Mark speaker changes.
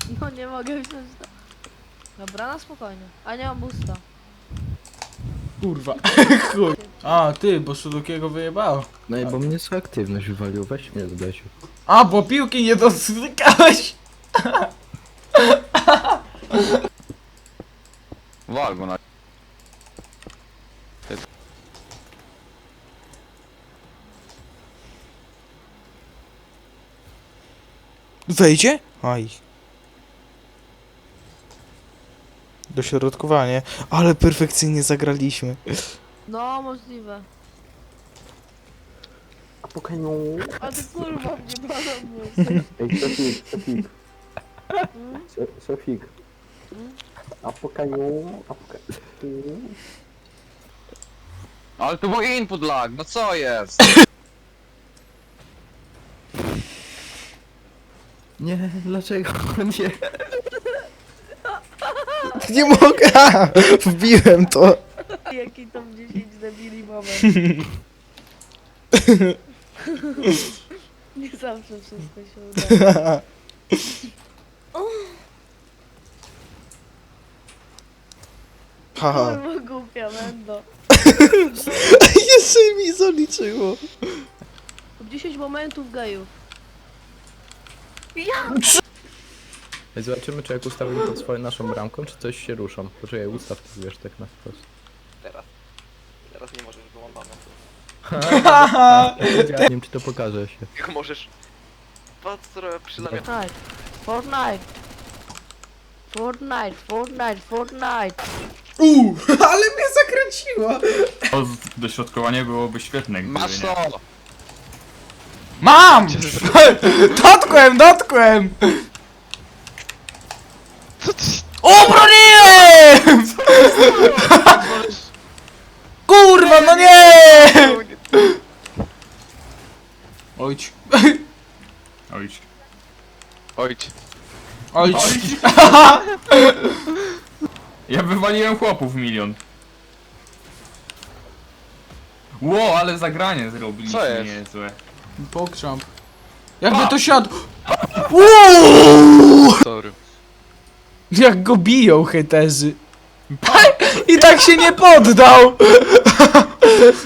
Speaker 1: No nie mogę wziąć to. Dobra, na spokojnie. A nie mam busta.
Speaker 2: Kurwa. Chuj. A, ty, bo Sudokiego wyjebało.
Speaker 3: No i bo mnie aktywność wywalił, weź mnie Zbesiu.
Speaker 2: A, bo piłki nie dotykałeś.
Speaker 4: Wal go na...
Speaker 2: Wejdzie? Aj. Dośrodkowanie. Ale perfekcyjnie zagraliśmy.
Speaker 1: No, możliwe.
Speaker 3: A po kaniu.
Speaker 1: A ty kurwa mnie balon.
Speaker 3: Ej, Sofik.
Speaker 1: Hmm?
Speaker 3: Sofik. A po kaniu.
Speaker 4: Ale to był input lag, no co jest?
Speaker 3: Nie, dlaczego? Nie.
Speaker 2: Nie mogę. A, wbiłem to.
Speaker 1: Jaki to 10 debili moment. Nie zawsze wszystko się uda.
Speaker 2: Haha.
Speaker 1: Kurwa głupia mendo.
Speaker 2: Jeszcze mi zaliczyło.
Speaker 1: 10 momentów gejów.
Speaker 3: Ej, zobaczymy, czy jak ustawimy pod swoją naszą bramką, czy coś się ruszą. Poczekaj, ustaw to, wiesz, tak na wprost.
Speaker 5: Teraz nie możesz, bo mam bana.
Speaker 3: Nie wiem, czy to pokaże się.
Speaker 5: Jak możesz? Patrz, co robię przy lamię.
Speaker 1: Fortnite. Fortnite. Fortnite. Fortnite.
Speaker 2: Ale mnie zakręciło.
Speaker 6: To dośrodkowanie byłoby świetne, gdyby
Speaker 4: Masz
Speaker 6: nie.
Speaker 4: to!
Speaker 2: Mam! Dotkłem! Obroniłem! Kurwa, no nie! Ojcz.
Speaker 6: Ojcz.
Speaker 4: Ojcz.
Speaker 2: Ojcz.
Speaker 6: Ja wywaliłem chłopów 1 000 000. Ło, ale zagranie zrobiliśmy
Speaker 4: Co jest?
Speaker 6: niezłe.
Speaker 2: Pokrzamp. Jakby to siadł. Uuu!
Speaker 4: Sorry.
Speaker 2: Jak go biją hejterzy. I tak się nie poddał.